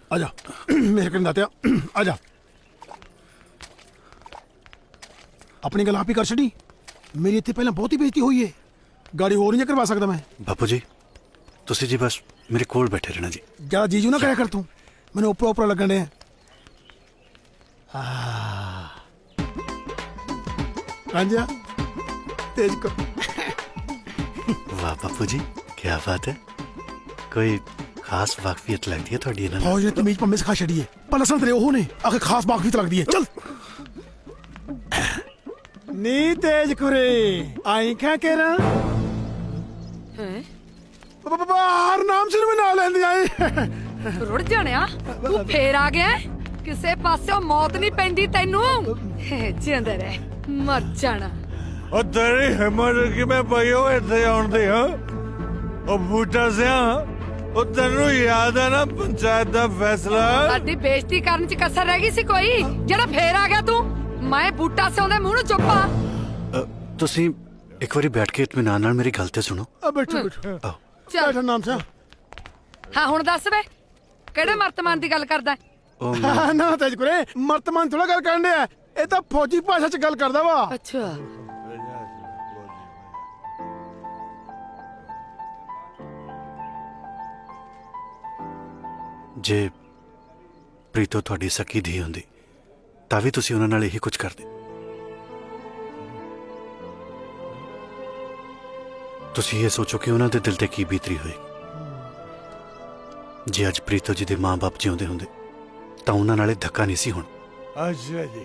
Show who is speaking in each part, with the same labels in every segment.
Speaker 1: आजा मेरे कन दात्या आजा अपनी गल आप ही कर छड़ी मेरी इतने पहले बहुत ही बेइज्जती हुई है गाड़ी होर नहीं करवा सकता मैं
Speaker 2: बापू जी तुसी जी बस मेरे कोल बैठे रहना जी
Speaker 1: ज्यादा जीजू ना करा कर तू मैंने ऊपर ऊपर लगन डे रांझा तेज को
Speaker 2: वाह बापू जी क्या बात है कोई खास वाकफियत लगती है थोड़ी ना
Speaker 1: फौज ने तमीज पर सिखा छड़ी है पर असल तेरे ओह ने आखिर खास वाकफियत लगती है चल नी तेज कुरे आई क्या कह रहा बाहर नाम सिर में ना लेंदी आई
Speaker 3: रुड़ जाणिया तू फेर आ गया किसे पासों मौत नहीं पैंदी तैनू जिंदे रह मर जाना
Speaker 4: ओ तेरी हिम्मत कि मैं पईओ इत्थे आउण दी हां ओ बूटा सिया ओ तैनू याद है ना पंचायत दा फैसला
Speaker 3: साडी बेइज्जती करन च कसर रह गई सी कोई जेड़ा फेर आ गया तू मैं बूटा सिया दे मुंह नू चुप्पा
Speaker 2: तुसी एक बारी बैठ के इत्मीनान नाल मेरी गल ते सुनो
Speaker 1: अब बैठो बैठो
Speaker 2: आओ
Speaker 3: चल
Speaker 1: बैठो नाम से
Speaker 3: हाँ हुण दस वे केड़े मर्तमान दी गल करदा
Speaker 2: ओ मैं-
Speaker 1: ना तेज कुरे मर्तमान थोड़ा गल करने है ये तो फौजी भाषा च गल करदा वा
Speaker 3: अच्छा
Speaker 2: ਜੇ ਪ੍ਰੀਤੋ ਤੁਹਾਡੀ ਸਕੀ ਧੀ ਹੁੰਦੀ ਤਾਂ ਵੀ ਤੁਸੀਂ ਉਹਨਾਂ ਨਾਲ ਇਹੀ ਕੁਝ ਕਰਦੇ ਤੁਸੀਂ ਇਹ ਸੋਚੋ ਕਿ ਉਹਨਾਂ ਦੇ ਦਿਲ ਤੇ ਕੀ ਬੀਤਰੀ ਹੋਈ ਜੇ ਅੱਜ ਪ੍ਰੀਤੋ ਜੀ ਦੇ ਮਾਂ-ਬਾਪ ਜਿਉਂਦੇ ਹੁੰਦੇ ਤਾਂ ਉਹਨਾਂ ਨਾਲੇ ਧੱਕਾ ਨਹੀਂ ਸੀ ਹੁਣ
Speaker 4: अच्छा जी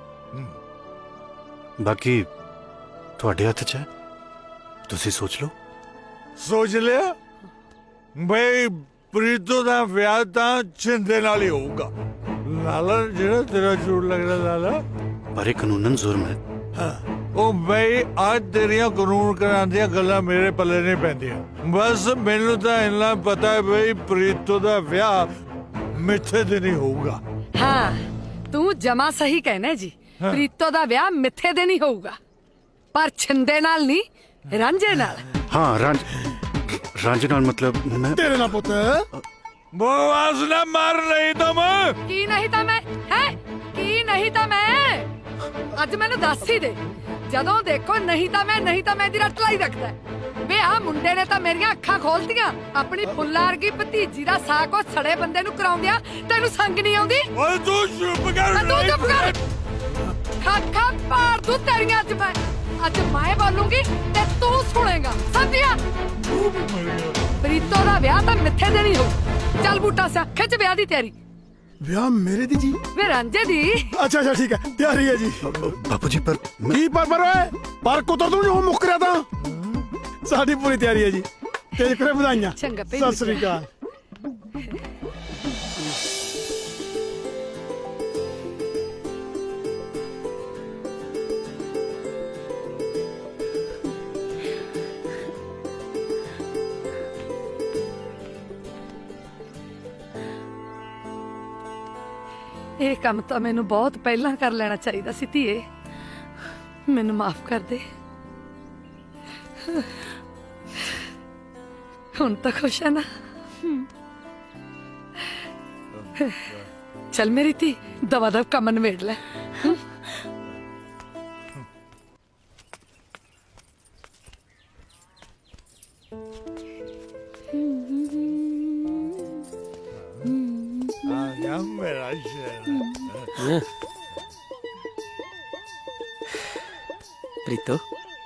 Speaker 2: ਬਾਕੀ ਤੁਹਾਡੇ ਹੱਥ 'ਚ ਹੈ ਤੁਸੀਂ ਸੋਚ ਲਓ
Speaker 4: सोच लिया भाई प्रीतो दा विआह तां छिंदे नाल ही होऊगा लाला जेड़ा तेरा झूठ लगदा लाला
Speaker 2: ਪਰ ਇਹ ਕਾਨੂੰਨਨ ਜ਼ੁਰਮ ਹੈ
Speaker 4: ओ भाई आज तेरियां कानून करांदियां गल्लां मेरे पल्ले नहीं पैंदियां बस मैनू तां इन्ना पता है भाई प्रीतो दा विआह मिथे दिन ही होऊगा
Speaker 3: हाँ तू जमा सही कहना जी प्रीतो दा ब्याह मिथे दे नहीं होऊगा पर छिंदे नाल नहीं रांझे नाल
Speaker 2: ਹਾਂ ਰਾਂਝੇ ਨਾਲ ਮਤਲਬ ਮੈਂ
Speaker 1: तेरे ना पुत
Speaker 4: बकवास ना मार नहीं तो मैं
Speaker 3: की नहीं था मैं है की नहीं था मैं ਅੱਜ ਮੈਨੂੰ ਦੱਸ ਹੀ ਦੇ ਜਦੋਂ ਦੇਖੋ ਨਹੀਂ ਤਾਂ ਮੈਂ ਦੀ ਰੱਟ ਲਾਈ ਰੱਖਦਾ ਵੇ ਆ ਮੁੰਡੇ ਨੇ ਤਾਂ ਮੇਰੀਆਂ ਅੱਖਾਂ ਖੋਲਤੀਆਂ ਆਪਣੀ ਫੁੱਲਾਂ ਵਰਗੀ ਭਤੀਜੀ ਦਾ ਸਾਕ ਉਹ ਸੜੇ ਬੰਦੇ ਨੂੰ ਕਰਾਉਂਦਿਆ ਤੈਨੂੰ ਸੰਗ ਨਹੀਂ ਆਉਂਦੀ
Speaker 4: ओए तू चुप कर
Speaker 3: ਤੂੰ ਚੁੱਪ ਕਰ ਖਾਖਾ ਪਾੜ ਦੂ ਤੇਰੀਆਂ ਅੱਜ ਮੈਂ ਬੋਲੂੰਗੀ ਤੇ ਤੂੰ ਸੁਣੇਗਾ ਸਮਝਿਆ ਪ੍ਰੀਤੋ ਦਾ ਵਿਆਹ ਤਾਂ ਮਿੱਥੇ ਦੇ ਨਹੀਂ ਹੋ ਚੱਲ ਬੂਟਾ ਸਿਆ ਖਿੱਚ ਵਿਆਹ ਦੀ ਤਿਆਰੀ
Speaker 1: ਵਿਆਹ ਮੇਰੇ ਦੀ ਜੀ
Speaker 3: ਵੇ ਰਾਂਝੇ ਦੀ
Speaker 1: अच्छा अच्छा ठीक है तैयारी है जी
Speaker 2: ਬਾਪੂ ਜੀ ਪਰ ਮੈਂ-
Speaker 1: की पर ओए पर कुतर तू जो मुक रहा था साडी पूरी तैयारी है जी तेज करे बधाइयां
Speaker 3: चंगा भई
Speaker 1: सत श्री अकाल
Speaker 3: ਇਹ ਕੰਮ ਤਾਂ ਮੈਨੂੰ ਬਹੁਤ ਪਹਿਲਾਂ ਕਰ ਲੈਣਾ ਚਾਹੀਦਾ ਸੀ ਧੀਏ ਮੈਨੂੰ ਮਾਫ ਕਰ ਦੇ ਹੁਣ ਤਾਂ ਖੁਸ਼ ਹੈ ਨਾ ਚੱਲ ਮੇਰੀ ਧੀ ਦਵਾ ਦਵ ਕੰਮ ਨਿਬੇੜ ਲੈ
Speaker 4: आ गया मेरा शेर
Speaker 5: ਪ੍ਰੀਤੋ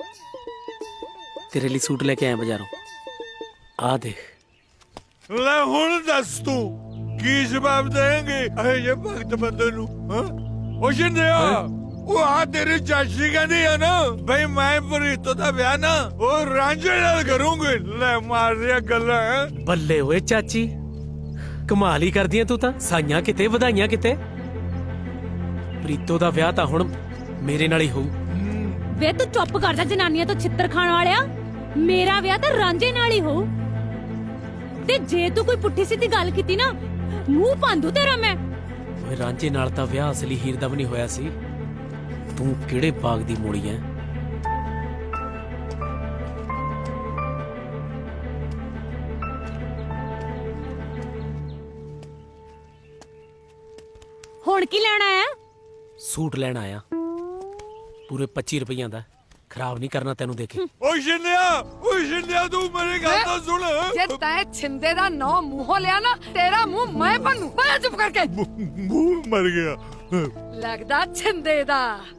Speaker 5: ਤੇਰੇ ਲਈ ਸੂਟ ਲੈ ਕੇ ਆਇਆ ਬਾਜ਼ਾਰੋਂ ਆ ਦੇਖ
Speaker 4: ले हुन दस तू की जवाब देंगे अरे ये भक्त बंदे नु हां ओ शिंदिया ओ आ तेरी चाची कहती है ना भाई मैं प्रीतो दा ब्याह ना ओ रांझे नाल करूंगी ले मार दिया गल्ला है
Speaker 5: ਬੱਲੇ ਓਏ ਚਾਚੀ ਕਮਾਲ ਹੀ ਕਰਦੀਆਂ ਤੂੰ ਤਾਂ ਸਾਈਆਂ ਕਿਤੇ ਵਧਾਈਆਂ ਕਿਤੇ ਪ੍ਰੀਤੋ ਦਾ ਵਿਆਹ ਤਾਂ ਹੁਣ ਮੇਰੇ ਨਾਲ ਹੀ ਹੋਊ
Speaker 6: ਵੇ ਤੂੰ ਚੁੱਪ ਕਰ ਜਾ ਜਨਾਨੀਆਂ ਤੋਂ ਛਿੱਤਰ ਖਾਣ ਵਾਲਿਆ ਮੇਰਾ ਵਿਆਹ ਤਾਂ ਰਾਂਝੇ ਨਾਲ ਹੀ ਹੋਊ ਤੇ ਜੇ ਤੂੰ ਕੋਈ ਪੁੱਠੀ ਸਿੱਧੀ ਗੱਲ ਕੀਤੀ ਨਾ ਮੂੰਹ ਪਾਂਦੂ ਤੇਰਾ ਮੈਂ
Speaker 5: ਓਏ ਰਾਂਝੇ ਨਾਲ ਤਾਂ ਵਿਆਹ ਅਸਲੀ ਹੀਰ ਦਾ ਵੀ ਨਹੀਂ ਹੋਇਆ ਸੀ ਤੂੰ ਕਿਹੜੇ ਬਾਗ ਦੀ ਮੋੜੀ ਐ
Speaker 6: ਹੁਣ ਕੀ ਲੈਣਾ ਆ?
Speaker 5: ਸੂਟ ਲੈਣ ਆਇਆ ਪੂਰੇ 25 ਰੁਪਈਆਂ ਦਾ। ਖਰਾਬ ਨਹੀਂ ਕਰਨਾ ਤੈਨੂੰ ਦੇ ਕੇ।
Speaker 4: ਓ ਸ਼ਿੰਦਿਆ ਤੂੰ ਮੇਰੀ ਗੱਲ ਤਾਂ ਸੁਣ।
Speaker 3: ਜੇ ਤੈਂ ਛਿੰਦੇ ਦਾ ਨਾਂ ਮੂੰਹੋਂ ਲਿਆ ਨਾ ਤੇਰਾ ਮੂੰਹ ਮੈਂ ਭੰਨੂ। ਬੈ ਚੁੱਪ ਕਰਕੇ।
Speaker 4: ਮੂੰਹ ਮਰ ਗਿਆ।
Speaker 3: ਲੱਗਦਾ ਛਿੰਦੇ ਦਾ।